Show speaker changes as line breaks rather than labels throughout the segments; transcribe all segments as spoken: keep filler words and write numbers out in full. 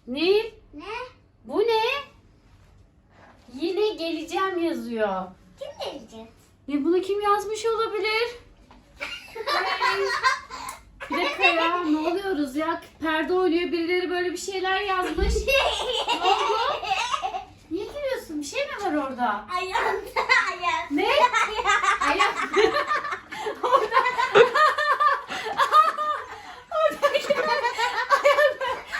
Nil,
Ne?
bu ne? Yine geleceğim yazıyor.
Kim gelecek?
Ne, bunu kim yazmış olabilir? Bir dakika ya, ne oluyoruz ya? Perde oynuyor, birileri böyle bir şeyler yazmış. Ne oldu? Niye gülüyorsun? Bir şey mi var orada?
Ayağımda ayak.
Ne? Ayak. Orada. Oradaki ayak.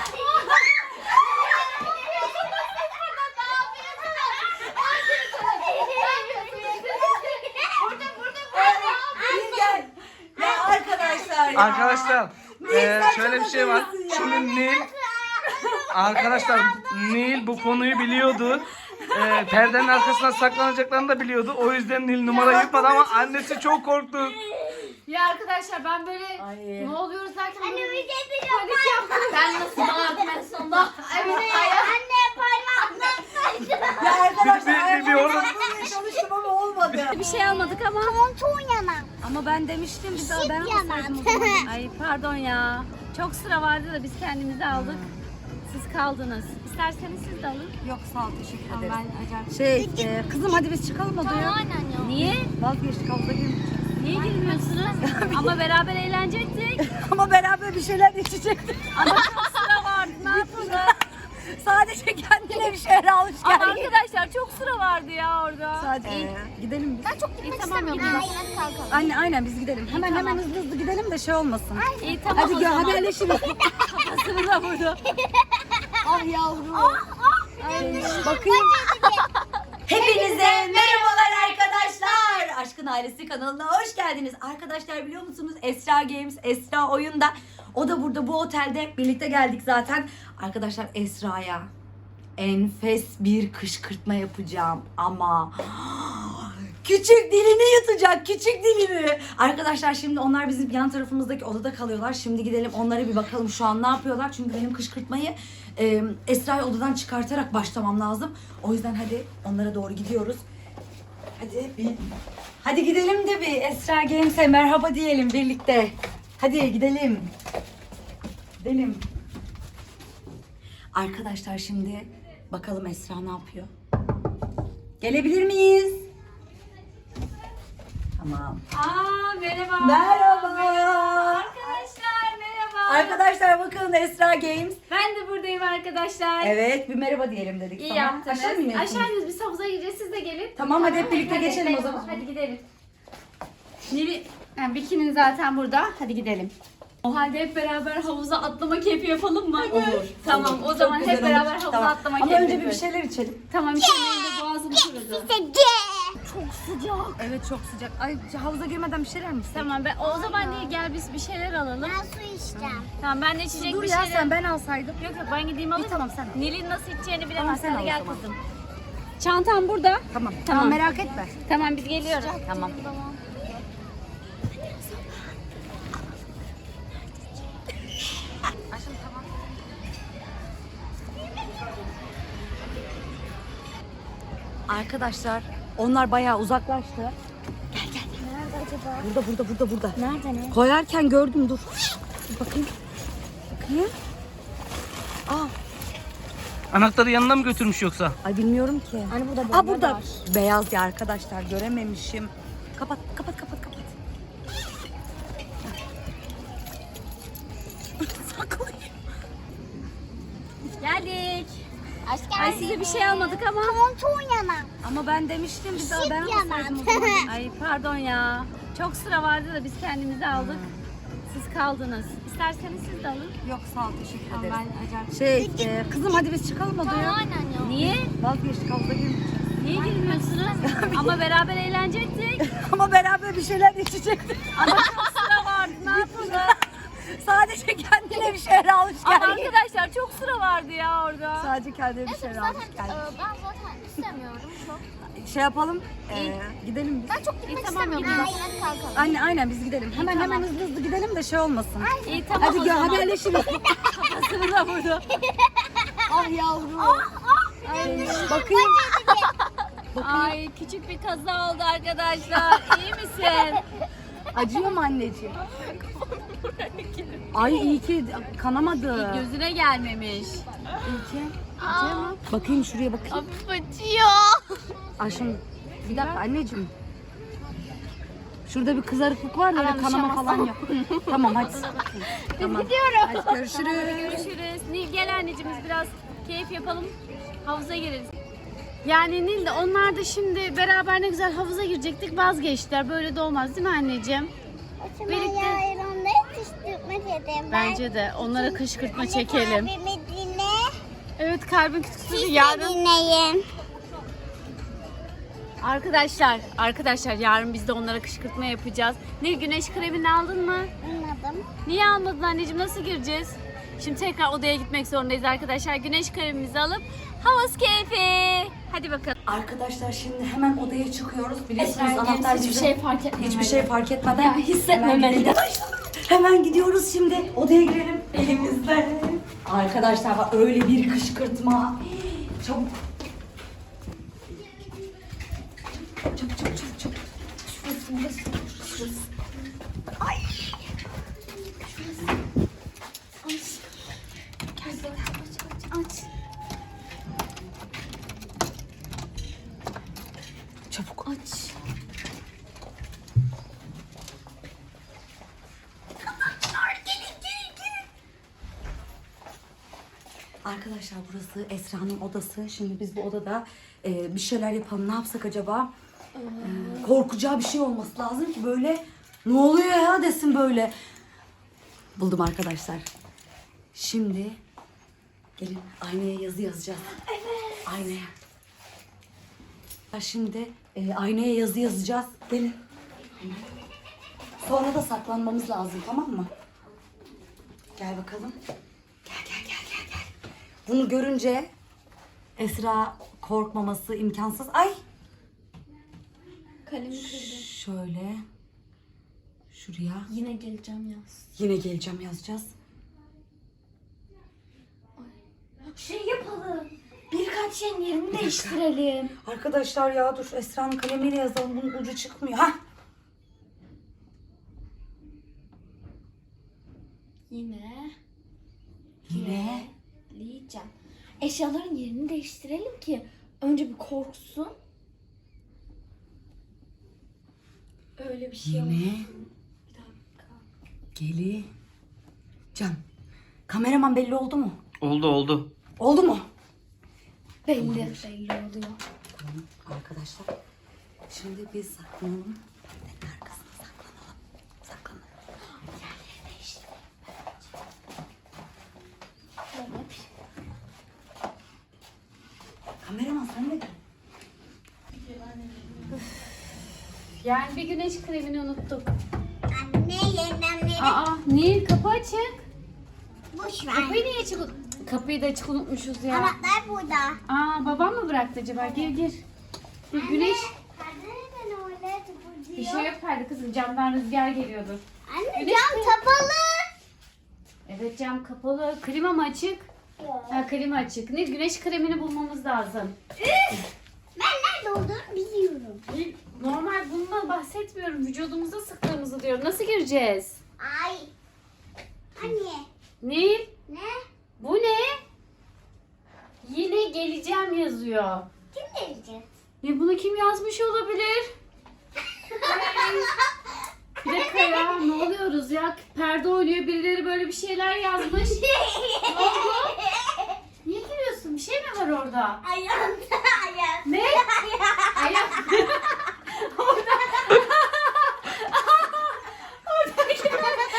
Gel. Ya arkadaşlar ya.
Arkadaşlar eee, şöyle bir şey var.
ya.
Şimdi Nil Arkadaşlar Nil bu konuyu biliyordu. Eee, perdenin arkasına saklanacaklarını da biliyordu. O yüzden Nil numara yutmadı ama annesi çok korktu.
Ya arkadaşlar ben böyle
Ay.
ne oluyoruz derken
Anne
böyle
bir de bir
panik yaptım. Ben nasıl bağırdım en sonunda? Evet ayak.
Anne parmakla.
Ya arkadaşlar
Bir- bir- bir orada-
ayaklarımı çalıştım ama olmadı.
Bir şey almadık ama.
Montun yanan.
Ama ben demiştim biz daha ben
Şık
alsaydım o zaman. Ay pardon ya. Çok sıra vardı da biz kendimizi aldık. Siz kaldınız. İsterseniz siz de alın.
Yok sağ ol teşekkür
Tamam,
ederim.
ben acayip.
Şey e, kızım hadi biz çıkalım odaya.
Niye?
Vazgeçtik havuza girmeyeceğiz.
Niye girmiyorsunuz? Ama beraber eğlenecektik.
Ama beraber bir şeyler içecektik.
Ama çok sıra vardı. Ne yapalım?
Sadece kendine bir şeyler almış
Ama
geldi.
arkadaşlar çok sıra vardı ya orada.
Sadece e, gidelim biz.
Ben çok
İyi
gitmek
tamam
istemiyorum.
gidelim.
kalkalım.
Anne aynen biz gidelim. Hemen
tamam.
hemen hızlı hızlı gidelim de şey olmasın.
İyi tamam
Hadi
o
gel
zaman.
haberleşiriz.
Kafasını da vurdu.
Ah yavrum. Ay, bakayım. Hepinize merhabalar arkadaşlar. Aşkın Ailesi kanalına hoş geldiniz. Arkadaşlar biliyor musunuz Esra Games, Esra oyunda. O da burada bu otelde birlikte geldik zaten. Arkadaşlar Esra'ya enfes bir kışkırtma yapacağım ama küçük dilini yutacak, küçük dilini. Arkadaşlar şimdi onlar bizim yan tarafımızdaki odada kalıyorlar. Şimdi gidelim onlara bir bakalım şu an ne yapıyorlar. Çünkü benim kışkırtmayı e, Esra'yı odadan çıkartarak başlamam lazım. O yüzden hadi onlara doğru gidiyoruz. Hadi bir, hadi gidelim de bir Esra Games'e merhaba diyelim birlikte. Hadi gidelim. Gidelim. Arkadaşlar şimdi bakalım Esra ne yapıyor? Gelebilir miyiz? Tamam.
Aa merhaba.
Merhaba.
Arkadaşlar merhaba.
Arkadaşlar bakın Esra Games.
Ben de buradayım arkadaşlar.
Evet bir merhaba diyelim dedik
İyi
sana.
yaptınız.
Aşağı mı iniyorsunuz?
Aşağı iniyoruz, biz havuza gireceğiz, siz de gelin.
Tamam hadi hep birlikte geçelim o zaman.
Hadi gidelim.
Nil, yani bikinin zaten burada. Hadi gidelim.
O halde hep beraber havuza atlama keyfi yapalım mı?
Olur.
Tamam
Olur.
o
Çok
zaman
güzel
hep
olur.
beraber havuza
Tamam.
atlama
Ama
keyfi
önce bir
yapıyoruz.
şeyler içelim.
Tamam içelim de boğazım kurudu.
Çok sıcak.
Evet çok sıcak. Ay havuza girmeden bir şeyler mi içsek?
Tamam ben o zaman değil gel biz bir şeyler alalım.
Ben su içeceğim.
Tamam ben de içecek
Dur
bir
ya
şeyler.
sen ben alsaydım.
Yok yok ben gideyim alayım.
tamam, sen al.
Nil'in nasıl içeceğini
Tamam,
bilemez.
sen
Hadi
al o
gel
zaman.
kızım. Çantam burada.
Tamam.
Tamam.
Tamam merak etme.
Tamam biz geliyoruz.
Tamam. Arkadaşlar onlar bayağı uzaklaştı. Gel gel.
Nerede acaba?
Burada burada burada burada.
Nerede ne?
Koyarken gördüm dur. Dur bakayım. Bakayım. Aa,
Anahtarı yanına mı götürmüş yoksa?
ay bilmiyorum ki.
Hani burada
Aa burada. Beyaz ya arkadaşlar görememişim. Kapat kapat kapat kapat. Saklayayım.
Geldik.
Hoş
Ay size bir şey almadık ama.
Montun yanan.
Ama ben demiştim biz daha ben
Şık
alsaydım o
yaman.
zaman. Ay pardon ya. Çok sıra vardı da biz kendimizi aldık. Siz kaldınız. İsterseniz siz de alın.
Yok sağ ol teşekkür
Tamam,
ederim.
ben acayip.
Şey e, kızım hadi biz çıkalım odaya.
Niye?
Vazgeçtik havuza girmeyeceğiz.
Niye girmiyorsunuz? Ama beraber eğlenecektik.
Ama beraber bir şeyler içecektik.
Ama çok sıra vardı. Ne yapalım?
Sadece kendine bir şeyler almış
Ama
geldi.
arkadaşlar çok sıra vardı ya orada.
Sadece kendine bir şeyler almış
Zaten
geldi.
e, ben zaten istemiyorum çok.
Şey yapalım. e, gidelim biz.
Ben çok gitmek
İyi, tamam,
istemiyorum.
gidelim.
Hadi kalkalım.
Anne aynen biz gidelim. Hemen
tamam.
hemen hızlı hızlı gidelim de şey olmasın.
İyi tamam
Hadi
o
gel
zaman.
haberleşiriz.
Kafasını da vurdu.
Ah yavrum. Ay, bakayım. Bakayım.
Ay küçük bir kaza oldu arkadaşlar. İyi misin?
Acıyor mu anneciğim? Ay iyi ki kanamadı.
Gözüne gelmemiş.
İyi ki. Bakayım şuraya bakayım.
Acıyor.
Ayşem bir dakika anneciğim. Şurada bir kızarıklık var da öyle kanama falan yok. Tamam hadi. Tamam.
Gidiyorum.
Hadi görüşürüz.
Görüşürüz. Nil gel anneciğim biz biraz keyif yapalım. Havuza gireriz. Yani Nil de onlar da şimdi beraber ne güzel havuza girecektik vazgeçtiler. Böyle de olmaz değil mi anneciğim?
Birlikte.
Birlikte.
Yarın onları kışkırtma dedim.
Bence de onlara kışkırtma çekelim.
Abimi dinle.
Evet kalbin kütüksüzü
Siz de
yarın.
dinleyin.
Arkadaşlar, arkadaşlar yarın biz de onlara kışkırtma yapacağız. Nil güneş kremini aldın mı?
Anladım.
Niye almadın anneciğim? Nasıl gireceğiz? Şimdi tekrar odaya gitmek zorundayız arkadaşlar. Güneş kremimizi alıp havuz keyfi. Hadi bakalım.
Arkadaşlar şimdi hemen odaya çıkıyoruz. Biliyorsunuz anahtar
hiçbir
bizim.
şey fark etmemeli.
Hiçbir şey fark etmeden.
Ya, hissetmemeli.
Hemen gidelim. Hemen gidiyoruz şimdi. Odaya girelim elimizde. Arkadaşlar bak öyle bir kışkırtma. Çabuk. Çabuk çabuk çabuk çabuk. Şurası burası. Şurası. Ay. Şurası. Aç. Gerçekten aç aç aç. Çabuk aç. Arkadaşlar burası Esra'nın odası. Şimdi biz bu odada e, bir şeyler yapalım. Ne yapsak acaba? E, korkacağı bir şey olması lazım ki böyle ne oluyor ya desin böyle. Buldum arkadaşlar. Şimdi gelin aynaya yazı yazacağız. Evet. Aynaya. Şimdi e, aynaya yazı yazacağız. Gelin. Sonra da saklanmamız lazım, tamam mı? Gel bakalım. Gel gel gel gel gel. Bunu görünce Esra korkmaması imkansız. Ay.
Kalemi kırdım.
Şöyle. Şuraya.
Yine geleceğim yaz.
Yine geleceğim yazacağız.
Şey yapalım. Birkaç şeyin yerini değiştirelim.
Arkadaşlar ya dur Esra'nın kalemiyle yazalım. Bunun ucu çıkmıyor. Ha?
Yine.
Yine.
Diyeceğim. Eşyaların yerini değiştirelim ki önce bir korksun. Öyle bir şey
Yine.
olmasın. Bir dakika.
Geleceğim. Kameraman belli oldu mu?
Oldu oldu.
Oldu mu?
Belli. Belli oluyor.
Tamam arkadaşlar. Şimdi biz saklanalım. Dedenin arkasına saklanalım. Saklanalım. Yerleri değiştirelim. Kameraman sen de gel.
Yani bir güneş kremini unuttuk.
Anne yeniden verin.
Aa Nil kapı açık.
Boş ver.
Kapıyı niye açık? Kapıyı da açık unutmuşuz ya.
Anahtar burada.
Aa babam mı bıraktı acaba? Gir gir. Bir güneş.
Neden öyle
Bir
tutuyor?
şey yok perde kızım. Camdan rüzgar geliyordur.
Anne
Güneş
cam
mi?
kapalı.
Evet cam kapalı. Klima mı açık? Ha klima açık. Nil güneş kremini bulmamız lazım.
Ben nerede olduğunu biliyorum.
Nil, normal bundan bahsetmiyorum. Vücudumuza sıktığımızı diyorum. Nasıl gireceğiz?
Ay. Anne.
Nil
Ne?
bu ne? Yine geleceğim yazıyor.
Kim gelecek?
Ne bunu kim yazmış olabilir? Bir dakika ya ne oluyoruz ya? Perde oynuyor birileri böyle bir şeyler yazmış. Ne oldu? Niye gülüyorsun? Bir şey mi var orada?
Ayağımda ayağım.
Ne? Ayak. Orada. Oradaki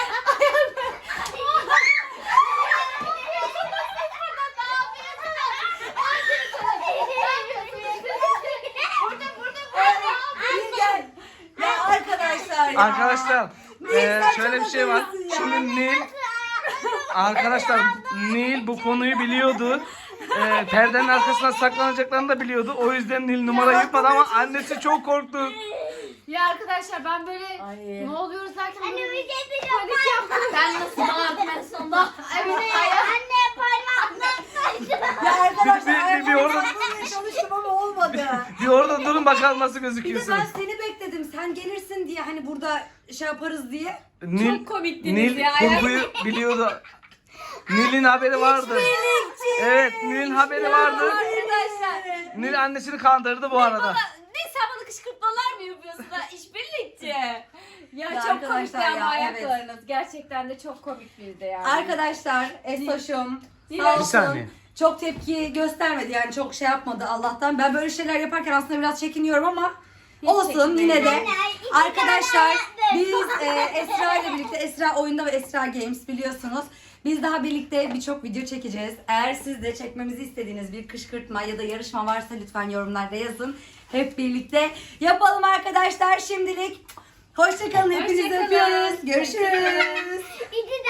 Gel. Ya arkadaşlar ya.
Arkadaşlar e, şöyle bir şey var.
yapıyorsun ya?
Şimdi Nil arkadaşlar Nil bu konuyu biliyordu. E, perdenin arkasına saklanacaklarını da biliyordu. O yüzden Nil numara yutmadı ama annesi çok korktu.
Ya arkadaşlar ben böyle
Ay.
ne oluyoruz derken
Anne
böyle
bir de bir
panik yaptım. Ben nasıl bağırdım en sonunda? Evet ayak.
Anne parmakla.
Ya arkadaşlar
Bir- bir- bir orada-
ayaklarımı çalıştım ama olmadı.
Bir orada durun bakalım nasıl
Bir de
gözüküyorsunuz.
ben seni bekledim. Sen gelirsin diye hani burada şey yaparız diye.
Nil,
Çok komiktiniz
Nil
ya.
kurguyu biliyordu. Nil'in haberi vardı. Evet, Nil'in haberi vardı.
Arkadaşlar.
Nil annesini kandırdı bu arada.
Bana, ne sen bana kışkırtmalar mı yapıyorsun ha? İşbirlikçi. Ya,
Ya
çok komikti
arkadaşlar
ama
ya,
ayaklarınız. Gerçekten de çok komik birdi yani.
Arkadaşlar Esoş'um
Nil-
sağ
Bir
olsun.
saniye.
Çok tepki göstermedi yani çok şey yapmadı Allah'tan. Ben böyle şeyler yaparken aslında biraz çekiniyorum ama olsun
çekinmeyin.
yine de.
Anne, iki
Arkadaşlar
tane
biz e, Esra ile birlikte Esra Oyunda ve Esra Games biliyorsunuz. Biz daha birlikte birçok video çekeceğiz. Eğer siz de çekmemizi istediğiniz bir kışkırtma ya da yarışma varsa lütfen yorumlarda yazın. Hep birlikte yapalım arkadaşlar. Şimdilik hoşça kalın. Hepinizi
Hoşça kalın.
öpüyoruz. Görüşürüz.
İki